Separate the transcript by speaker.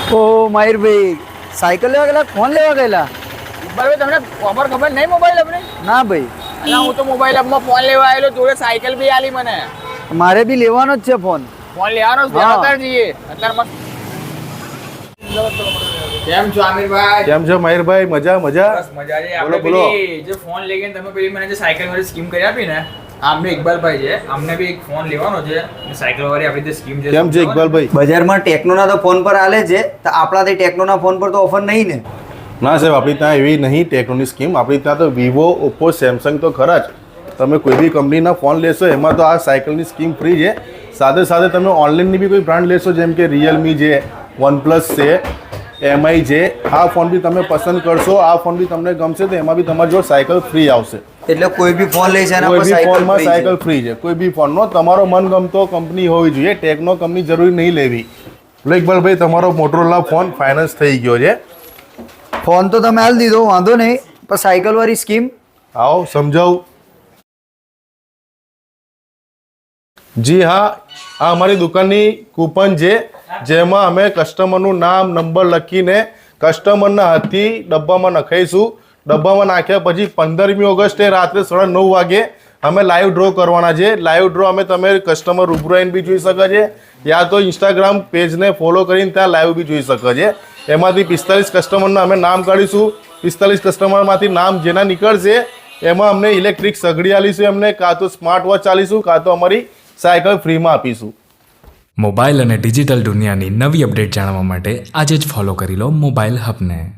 Speaker 1: ઓ મયુરભાઈ cycle લેવા ગયેલા phone લેવા ગયેલા?
Speaker 2: ભાઈ તમને ખબર નહીં મોબાઈલ આપણે?
Speaker 1: ના ભાઈ,
Speaker 2: અલા હું તો મોબાઈલ આપમાં ફોન લેવા આવેલો, જોડે સાયકલ બી આલી મને.
Speaker 1: મારે બી લેવાનો જ છે ફોન.
Speaker 2: ફોન લેવાનો છે
Speaker 1: હા.
Speaker 2: અત્યારે જઈએ અત્યારે મસ્ત. કેમ છો આમિરભાઈ?
Speaker 3: કેમ છો મયુરભાઈ? મજા મજા.
Speaker 2: બસ મજા છે.
Speaker 3: બોલો,
Speaker 2: આપણે
Speaker 3: બોલો.
Speaker 2: પેલી જે ફોન લઈ ગયા ને તમે પેલી મને જે સાયકલ વાળી સ્કીમ કરી આપી ને, આમને ઇકબાલભાઈ છે, અમને બી એક ફોન લેવાનો છે અને સાયકલ વાળી આપણી જે સ્કીમ છે.
Speaker 3: કેમ છે ઇકબાલભાઈ?
Speaker 1: બજારમાં ટેકનોના તો ફોન પર આલે છે, તો આપણાથી ટેકનોના ફોન પર તો ઓફર નહીં ને?
Speaker 3: ના સાહેબ, આપણી ત્યાં એવી નહીં ટેકનોની સ્કીમ. આપણી ત્યાં તો વિવો, ઓપ્પો, સેમસંગ તો ખરા જ. તમે કોઈ બી કંપનીના ફોન લેશો એમાં તો આ સાયકલની સ્કીમ ફ્રી છે. સાથે સાથે તમે ઓનલાઈનની બી કોઈ બ્રાન્ડ લેશો, જેમ કે રિયલમી છે, વનપ્લસ છે, એમઆઈ છે, આ ફોન બી તમે પસંદ કરશો, આ ફોન બી તમને ગમશે તો એમાં બી તમારી જોડે સાયકલ ફ્રી આવશે.
Speaker 1: એટલે કોઈ બી ફોન લે છે એના
Speaker 3: કોઈ
Speaker 1: પર
Speaker 3: બી
Speaker 1: સાયકલ
Speaker 3: ફોનમાં
Speaker 1: free છે.
Speaker 3: સાયકલ ફ્રી છે. કોઈ બી ફોનનો તમારો મનગમતો કંપની હોવી જોઈએ. ટેકનો કંપની જરૂરી નહીં લેવી. એટલે ઇકબાલભાઈ, તમારો મોટરોલા ફોન ફાઇનાન્સ થઈ ગયો છે.
Speaker 1: ફોન તો તમે હાલ દીધો, વાંધો નહીં, પણ સાયકલ વાળી સ્કીમ
Speaker 3: આવો સમજાવું. જી હા, આ અમારી દુકાનની કૂપન છે, જેમાં અમે કસ્ટમરનું નામ, નંબર લખીને કસ્ટમરના હાથથી ડબ્બામાં નખાઈશું. ડબ્બામાં નાખ્યા પછી 15મી ઓગસ્ટે રાત્રે 9:30 વાગે અમે લાઈવ ડ્રો કરવાના છે. લાઈવ ડ્રો અમે તમે કસ્ટમર રૂબરૂ આવીને બી જોઈ શકે છે, યા તો ઇન્સ્ટાગ્રામ પેજને ફોલો કરીને ત્યાં લાઈવ બી જોઈ શકે છે. એમાંથી 45 કસ્ટમરના અમે નામ કાઢીશું. 45 કસ્ટમરમાંથી નામ જેના નીકળશે એમાં અમને ઇલેક્ટ્રિક સગડી આલીશું, એમને કાં તો સ્માર્ટ વોચ આલીશું, કાં તો અમારી સાયકલ ફ્રીમાં આપીશું.
Speaker 4: મોબાઈલ અને ડિજિટલ દુનિયાની નવી અપડેટ જાણવા માટે આજે જ ફોલો કરી લો મોબાઈલ હબને.